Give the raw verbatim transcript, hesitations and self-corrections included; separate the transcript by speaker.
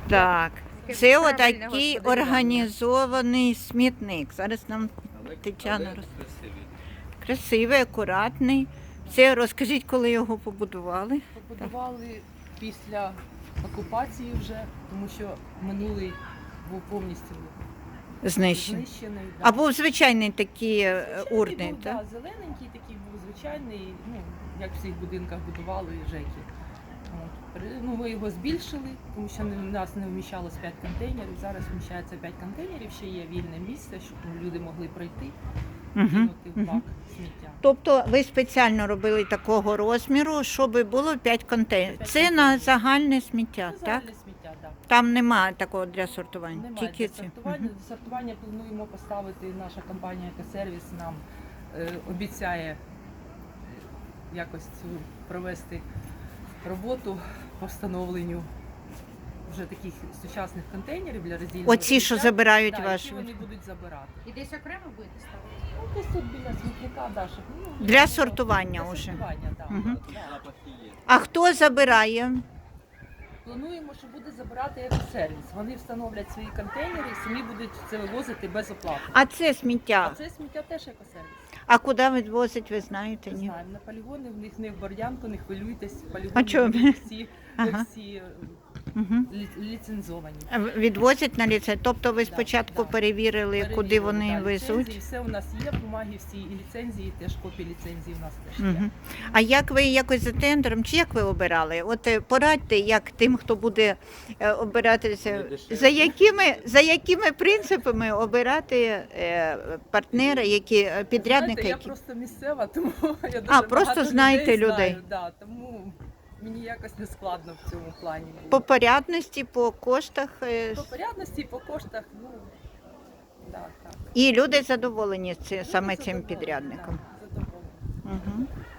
Speaker 1: Так, це отакий організований смітник. Зараз нам Тетяна роз... Красивий, акуратний. Це розкажіть, коли його побудували?
Speaker 2: Побудували після окупації вже, тому що минулий був повністю
Speaker 1: Знищений.
Speaker 2: знищений. Да.
Speaker 1: А був звичайний такий е,
Speaker 2: Звичайний
Speaker 1: урний,
Speaker 2: був,
Speaker 1: так?
Speaker 2: да, зелененький такий був звичайний, ну, як в всіх будинках будували жеки. От. При- Ну, ми його збільшили, тому що не- в нас не вміщалось п'ять контейнерів. Зараз вміщається п'ять контейнерів, ще є вільне місце, щоб люди могли пройти,
Speaker 1: Угу.
Speaker 2: кинути в бак сміття.
Speaker 1: Тобто ви спеціально робили такого розміру, щоб було п'ять контейнерів. Це на загальне сміття,
Speaker 2: Це
Speaker 1: так?
Speaker 2: загальне сміття, так.
Speaker 1: Там немає такого для сортування.
Speaker 2: Немає
Speaker 1: Тільки
Speaker 2: для
Speaker 1: ці.
Speaker 2: сортування.
Speaker 1: Мгм.
Speaker 2: Для сортування плануємо поставити, наша компанія «Екосервіс» нам е, обіцяє е, якось цю провести роботу по встановленню вже таких сучасних контейнерів для роздільного
Speaker 1: Оці, що
Speaker 2: сміття.
Speaker 1: забирають
Speaker 2: Да,
Speaker 1: ваші.
Speaker 2: які вони будуть забирати.
Speaker 3: І десь окремо будете ставити?
Speaker 2: Ну, десь тут біля смітника, да, щоб, ну,
Speaker 1: Для
Speaker 2: ну,
Speaker 1: сортування
Speaker 2: для
Speaker 1: уже.
Speaker 2: сортування, да,
Speaker 1: Мгм.
Speaker 2: да.
Speaker 1: А хто забирає?
Speaker 2: Плануємо, що буде забирати «Екосервіс». Вони встановлять свої контейнери і самі будуть це вивозити без оплати.
Speaker 1: А це
Speaker 2: А
Speaker 1: сміття.
Speaker 2: це сміття теж «Екосервіс».
Speaker 1: А куди відвозять, ви знаєте?
Speaker 2: Не
Speaker 1: Ні?
Speaker 2: знаю, на полігони, в них не в Бордянку, не хвилюйтесь, полігони
Speaker 1: А чого?
Speaker 2: в них всі,
Speaker 1: Ага.
Speaker 2: всі е,
Speaker 1: Угу.
Speaker 2: лі- ліцензовані.
Speaker 1: Відвозять на ліцензію. Тобто ви
Speaker 2: Да,
Speaker 1: спочатку
Speaker 2: да.
Speaker 1: перевірили, куди
Speaker 2: Перевірили,
Speaker 1: вони
Speaker 2: да,
Speaker 1: везуть.
Speaker 2: ліцензії, все у нас є, бумаги всі, і ліцензії, теж копії ліцензії у нас теж є.
Speaker 1: Угу. А як ви якось за тендером, чи як ви обирали? От е, порадьте, як тим, хто буде е, обиратися, за якими, за якими принципами обирати е, партнера, які е, підрядники?
Speaker 2: Знаєте, я
Speaker 1: Які...
Speaker 2: просто місцева, тому я дуже
Speaker 1: А, просто
Speaker 2: багато
Speaker 1: знаєте людей.
Speaker 2: Знаю, да, тому мені якось не складно в цьому плані. було.
Speaker 1: По порядності, по коштах. е,
Speaker 2: По порядності, по коштах, ну, да, так.
Speaker 1: І люди задоволені ці- саме
Speaker 2: Люди
Speaker 1: цим
Speaker 2: задоволені,
Speaker 1: підрядником.
Speaker 2: да, задоволені.
Speaker 1: Угу.